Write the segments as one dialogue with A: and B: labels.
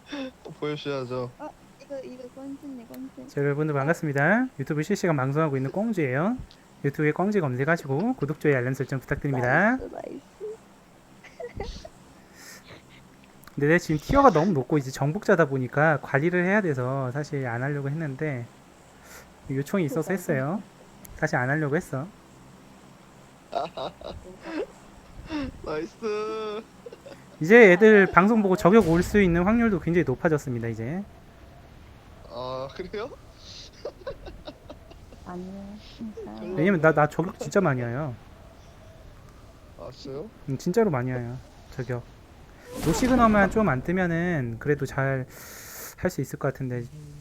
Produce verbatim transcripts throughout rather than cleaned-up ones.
A: 또 보여주셔야죠.
B: 어, 이거 이거 꼰지네 꼰지.
C: 자, 여러분들
B: 어,
C: 반갑습니다. 유튜브 실시간 방송하고 있는 꽁지예요. 유튜브에 꽁지 검색하시고 구독, 좋아요, 알람 설정 부탁드립니다.
B: 나이스 나이스.
C: 근데 내 지금 티어가 너무 높고 이제 정복자다 보니까 관리를 해야 돼서 사실 안 하려고 했는데 요청이 있어서 했어요. 사실 안 하려고 했어.
A: 나이스.
C: 이제 애들 방송 보고 저격 올 수 있는 확률도 굉장히 높아졌습니다. 이제
A: 아 그래요?
B: 아니요 진짜요.
C: 왜냐면 나 나 저격 진짜 많이 와요.
A: 왔어요?
C: 음, 진짜로 많이 와요. 저격. 노시그너만 좀 안 뜨면은 그래도 잘 할 수 있을 것 같은데.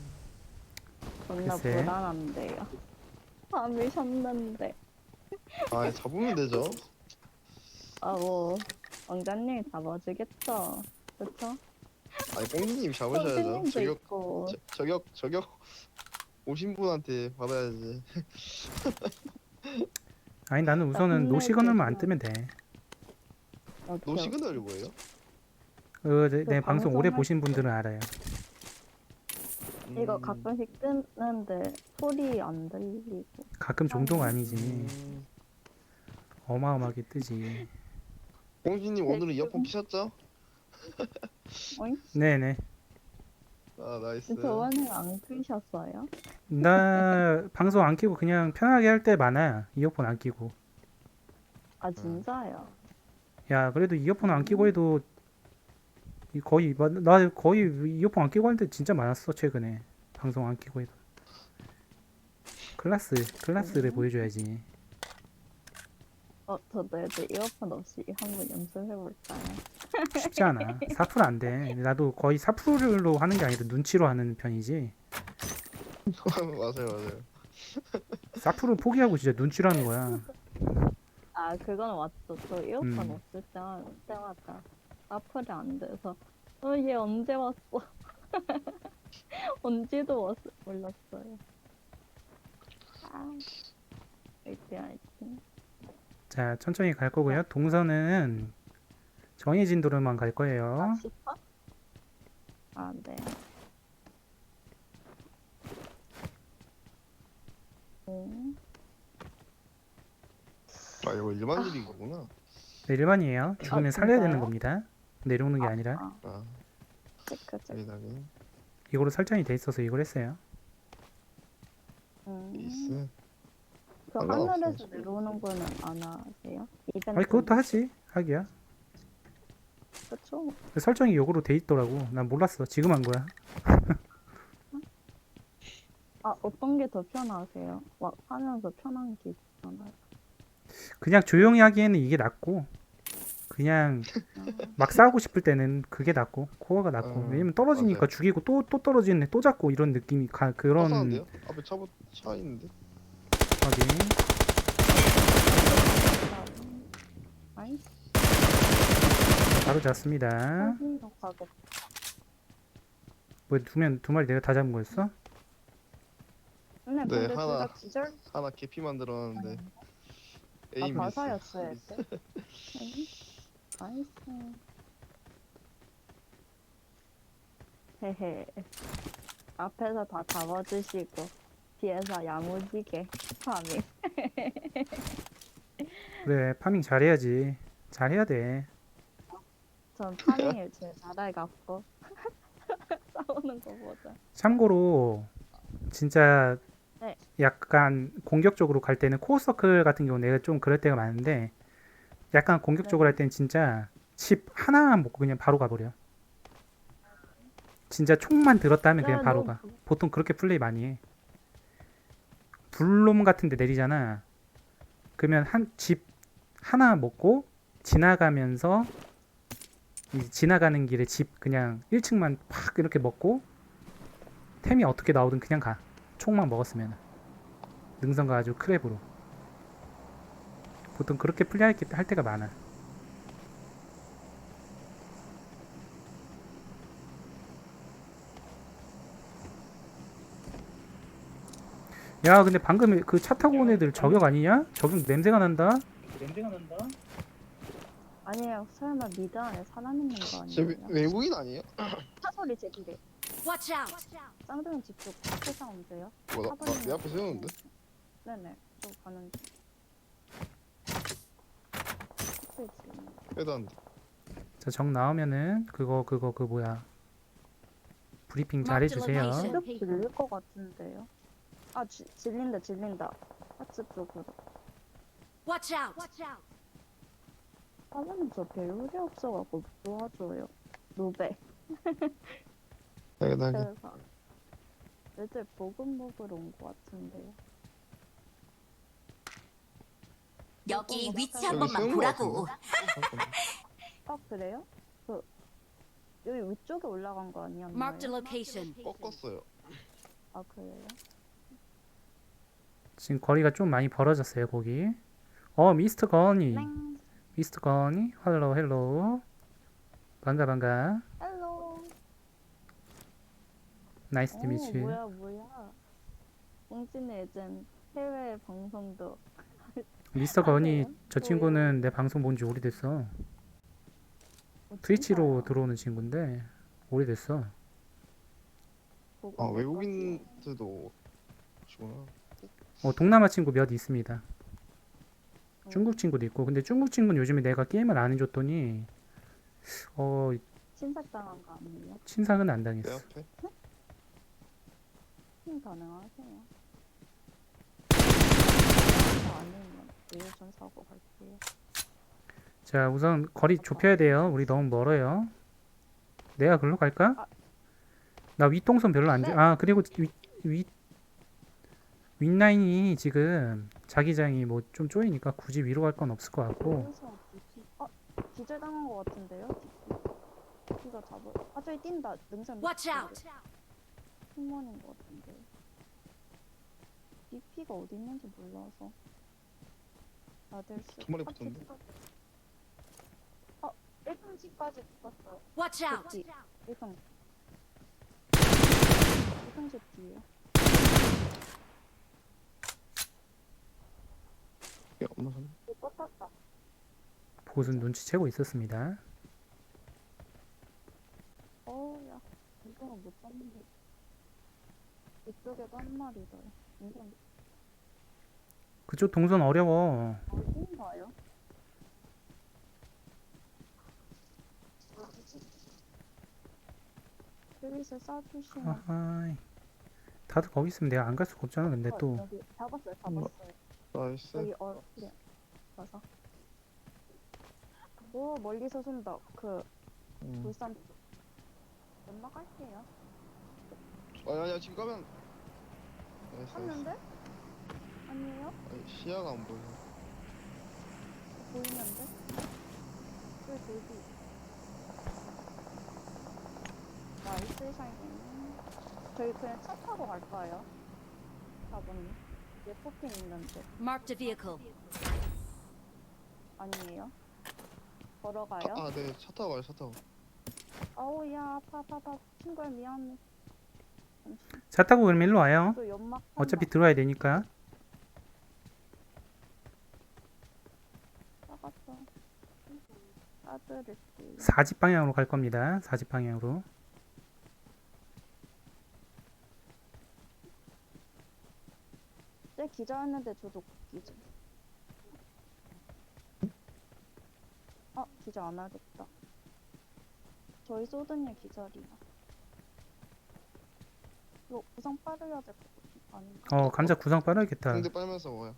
B: 존나
C: 글쎄.
B: 불안한데요. 밤이 셨는데.
A: 아 잡으면 되죠.
B: 아뭐 왕자님 잡아주겠죠. 그쵸?
A: 아니 꽁지님 잡으셔야죠.
B: 선생님도
A: 저격
B: 있고.
A: 저, 저격 저격 오신 분한테 받아야지.
C: 아니 나는 우선은 노시그너만 안 뜨면 돼.
B: 어때요?
A: 노시그널이 뭐예요?
C: 그, 내,
B: 그
C: 내 방송 오래
B: 방송할
C: 보신 분들은 알아요.
B: 이거
A: 음,
B: 가끔씩 뜨는데 소리 안 들리고.
C: 가끔 종도가
B: 음.
C: 아니지.
A: 음.
C: 어마어마하게 뜨지.
A: 꽁지님 오늘은 이어폰 끼셨죠?
B: 어잉?
C: 네네.
A: 아 나이스.
B: 저번에 안 끄셨어요?
C: 나 방송 안 끼고 그냥 편하게 할 때 많아. 이어폰 안 끼고.
B: 아 진짜요?
C: 야, 그래도 이어폰 안 끼고 해도 이 거의 마- 나 거의 이어폰 안 끼고 할 때 진짜 많았어 최근에. 방송 안 끼고 해도. 클라스 클라스를
B: 음.
C: 보여줘야지.
B: 어 저도 애들 이어폰 없이 한번 연습해볼까요?
C: 쉽지 않아. 사 퍼센트 안 돼. 나도 거의 사 퍼센트로 하는 게 아니라 눈치로 하는 편이지.
A: 맞아요 맞아요.
C: 사 퍼센트 포기하고 진짜 눈치로 하는 거야.
B: 아 그건 맞죠. 저 이어폰
C: 음.
B: 없을 때, 때마다 사플이 안 돼서 어 얘 언제 왔어? 언제도 왔, 몰랐어요. 아 화이팅 화이팅.
C: 자, 천천히 갈 거고요. 동선은 정해진 도로만 갈 거예요.
B: 아 시파? 아 네. 음.
A: 아 이거 일반적인 거구나.
C: 네, 일반이에요. 죽으면 살려야 되는
B: 진짜요?
C: 겁니다. 내려오는 게 아니라.
B: 아
A: 아
B: 체크 체크.
A: 여기다가
C: 이거로 설정이 돼 있어서 이걸 했어요.
B: 음.
A: 있어.
B: 그
A: 상관없어요.
B: 하늘에서 내려오는 거는 안 하세요? 이벤트.
C: 아니, 그것도 하지. 하기야.
B: 그쵸?
C: 설정이 이거로 돼 있더라고. 난 몰랐어. 지금 한 거야.
B: 아 어떤 게 더 편하세요? 막 하면서 편한 게 있잖아요.
C: 그냥 조용히 하기에는 이게 낫고, 그냥 막 싸우고 싶을 때는 그게 낫고, 코어가 낫고.
A: 음,
C: 왜냐면 떨어지니까
A: 맞아요.
C: 죽이고 또, 또 떨어지네. 또 잡고 이런 느낌이 가,
A: 차
C: 그런.
A: 사는데요? 앞에 차, 차 있는데?
C: 확인.
B: 아이
C: 바로 잡습니다.
B: 사진도 가겠다.
C: 뭐, 두 명, 두 마리 내가 다 잡은 거였어?
B: 근데
A: 네,
B: 근데
A: 하나.
B: 둘다 기절.
A: 하나 개피 만들었는데
B: 아
A: 에임이
B: 바사였어야 돼. 아이, 나이스. 헤헤. 앞에서 다 잡아주시고 뒤에서 야무지게 파밍.
C: 그래, 파밍 잘해야지. 잘해야 돼.
B: 전 파밍을 제일 잘해갖고 싸우는 거보다.
C: 참고로, 진짜
B: 네.
C: 약간 공격적으로 갈 때는 코어서클 같은 경우 내가 좀 그럴 때가 많은데, 약간 공격적으로
B: 네.
C: 할 때는 진짜 칩 하나만 먹고 그냥 바로 가버려. 진짜 총만 들었다 하면 그냥
B: 네,
C: 바로
B: 너무
C: 가. 보통 그렇게 플레이 많이 해. 불놈 같은 데 내리잖아. 그러면 한 집 하나 먹고 지나가면서 이 지나가는 길에 집 그냥 일 층만 팍 이렇게 먹고 템이 어떻게 나오든 그냥 가. 총만 먹었으면. 능선 가가지고 크랩으로. 보통 그렇게 플레이할 게- 할 때가 많아. 야, 근데 방금 그 차 타고 온 애들 저격 아니냐? 저격 냄새가 난다?
B: 아니에요. 설마 미드 안에 사람 있는 거
A: 저
B: 아니에요?
A: 외- 외국인 아니에요?
B: 차 소리 제 뒤에.
D: Watch out!
B: 쌍둥이 집쪽 앞에 싸운데요?
A: 뭐야 나, 나, 내 앞에 세우는데?
B: 네네. 저 가는 중. 앞에 지금.
A: 빼도 안 돼.
C: 자, 정 나오면은 그거 그거 그 뭐야 브리핑
D: Mark the
C: 잘해주세요.
D: location.
B: 쭉 질릴 것 같은데요? 아, 지, 질린다, 질린다. 하츠 쪽으로.
D: Watch out!
B: 사장님 저 배울이 없어갖고 도와줘요. 노베.
A: 나게 나게.
B: 그래서 애들 보금 먹으러 온 것 같은데요.
D: 여기 위치
A: 여기
D: 한 번만
A: 세운 거
D: 보라고.
A: 같은데?
B: 아, 그래요? 그 여기 위쪽에 올라간 거 아니었나요?
D: Mark the location.
A: 꺾었어요.
B: 아, 그래요?
C: 지금 거리가 좀 많이 벌어졌어요, 거기. 어, 미스터 건이.
B: 땡.
C: 미스터 건이. 헬로, 헬로. 반가, 반가.
B: 헬로.
C: 나이스 투
B: 오,
C: 미츠.
B: 뭐야, 뭐야. 봉진의 예전 해외 방송도.
C: 미스터 건이
B: 하세요?
C: 저 친구는 내 방송 본 지 오래됐어.
B: 어,
C: 트위치로
B: 진짜요?
C: 들어오는 친구인데 오래됐어.
B: 보고
A: 아
B: 있을
A: 외국인들도 오시구나.
C: 어, 동남아 친구 몇 있습니다.
B: 것
C: 중국 친구도 있고. 근데 중국 친구는 요즘에 내가 게임을 안 해줬더니 어,
B: 친삭당한 거 아니에요?
C: 친상은 안
A: 내
C: 당했어.
A: 앞에.
B: 팀 가능하세요? 아니면 예전 사고 갈게요.
C: 자, 우선 거리 좁혀야 돼요. 우리 너무 멀어요. 내가 글로 갈까?
B: 아.
C: 나 윗동선 별로 안
B: 네.
C: 좋아. 아, 그리고 윗, 윗, 윗라인이 지금 자기장이 뭐 좀 쪼이니까 굳이 위로 갈 건 없을 것 같고.
B: 여기서 뭐지? 아, 기절당한 것 같은데요? 기가 잡을. 아, 저기 뛴다. 능선.
D: Watch out!
B: 팀원인 것 같은데. 비피가 어디 있는지 몰라서. 다들 쓰.
A: 두 마리 붙었는데?
B: 어, 일 평지까지 붙었어요.
D: Watch out!
B: 저기 일 평. 일 평지 뒤에.
A: 야 엄마 산.
B: 이거 떴다.
C: 보수는 눈치채고 있었습니다.
B: 어우, 야. 이거는 못 잡는데. 이쪽에도 한 마리 더요. 이건
C: 그쪽 동선 어려워.
B: 어딘가요? 여기서 쏴주시면.
C: 아하이. 다들 거기 있으면 내가 안 갈 수가 없잖아. 근데
B: 어,
C: 또
B: 여기 잡았어요, 잡았어요.
A: 나이스.
B: 여기 어, 그래. 가서. 오, 멀리서 쏜다. 그
A: 음.
B: 불산 쪽. 연막 할게요.
A: 아야야 지금 가면. 나이스, 나이스.
B: 샀는데? 아니에요?
A: 아니, 시야가 안 보여.
B: 보이는데? 왜 돌기? 나이스 샤이닝. 저희 그냥 차 타고 갈까요? 사번님. 얘 포핀 있는데.
D: Marked a vehicle.
B: 아니에요? 걸어가요?
A: 아, 네, 차 타고 가요, 차 타고.
B: 아우, 야, 아파, 아파, 아파. 친구야, 미안해. 잠시.
C: 차 타고 그럼 일로 와요.
B: 또 연막.
C: 어차피 들어와야 되니까.
B: 나갔어. 따드릴게요.
C: 사집 방향으로 갈 겁니다. 사집 방향으로.
B: 쟤 기자였는데 저도 기자. 아, 기자 안 하겠다. 저희 쏘든이 기자리야. 이거 구상 빠르야 될 것 같아. 아닌가?
C: 어, 감자 구상 빠르겠다.
A: 상대 빨면서 먹어요.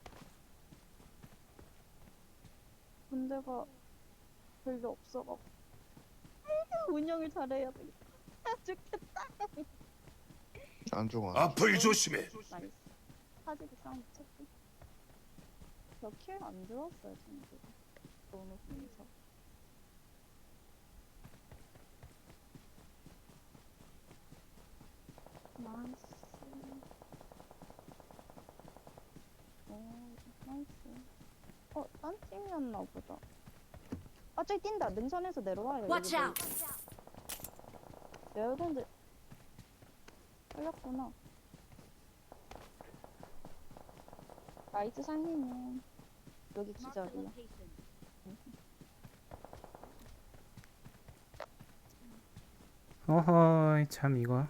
B: 군대가 별로 없어갖고. 아이고, 운영을 잘해야 돼. 아, 죽겠다.
A: 안 죽어.
E: 앞을 조심해.
B: 나이스. 사지기 싸움 붙였지. 저킬 안 들었어요, 친구. 너무 분서. 나이스. 오, 나이스. 어, 딴 팀이었나 보다. 아, 저기 뛴다. 능선에서 내려와요.
D: Watch
B: 여기
D: out!
B: 여러분들 걸렸구나. 나이트 상님은 여기
D: Marked the
B: 기절이야.
D: location.
C: 어허이 참 이거.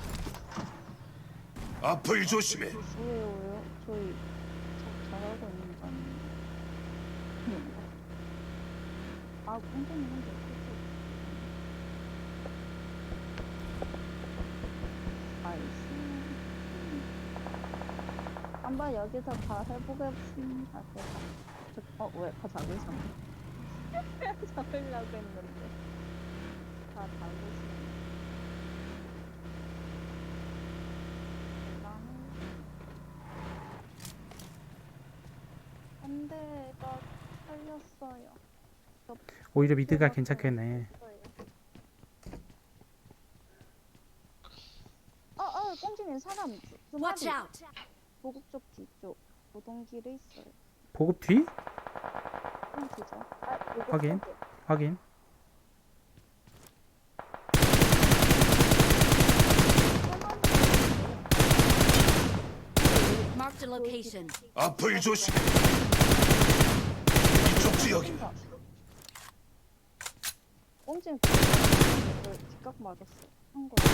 E: 앞을 조심해.
B: 왜요 왜요? 저희 자, 잘하고 있는 거 아니에요? 아 꽁꽁이 혼자 있었어. 아이씨. 한번 여기서 다 해보겠습니다. 저, 어, 왜? 다 잡으셨네. 잡으려고 했는데. 다 잡으시네. 나는. 안 돼, 나 살렸어요.
C: 오히려 미드가 괜찮겠네.
B: 어, 어, 꽁지님 사람 두
D: Watch
B: 마리.
D: out!
B: 보급 쪽 뒤쪽 노동길에 있어요.
C: 보급 뒤?
B: 꽁지죠. 아, 이거
C: 확인.
B: 꽁지.
C: 확인.
D: Marked a location.
E: 앞을 조심해. 이쪽 지역이다.
B: 꽁지는 그 뒷각 맞았어. 한 거.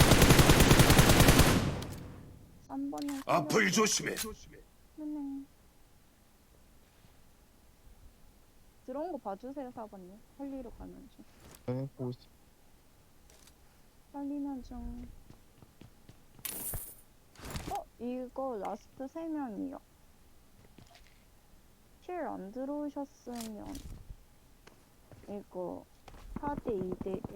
B: 삼 번에
E: 앞을 조심해.
B: 네. 들어온 거 봐주세요, 사 번님. 살리러 가는 중.
A: 네, 보고 있어.
B: 살리는 중. 어? 이거 라스트 세 명이요. 킬 안 들어오셨으면 이거 사 대 이 대 일.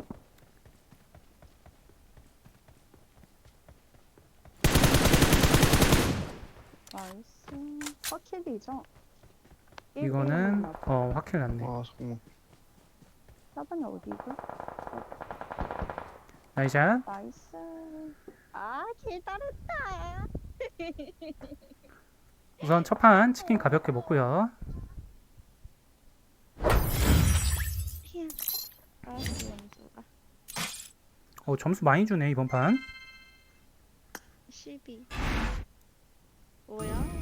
B: 나이스. 확킬이죠?
C: 이거는 어 확킬 났네.
A: 아, 잠깐만.
B: 사 번이 어디죠?
C: 나이샷.
B: 나이스. 아, 기다렸다.
C: 우선 첫 판 치킨 가볍게 먹고요.
B: 아, 연주가
C: 어 점수 많이 주네 이번 판.
B: 십이. 뭐야?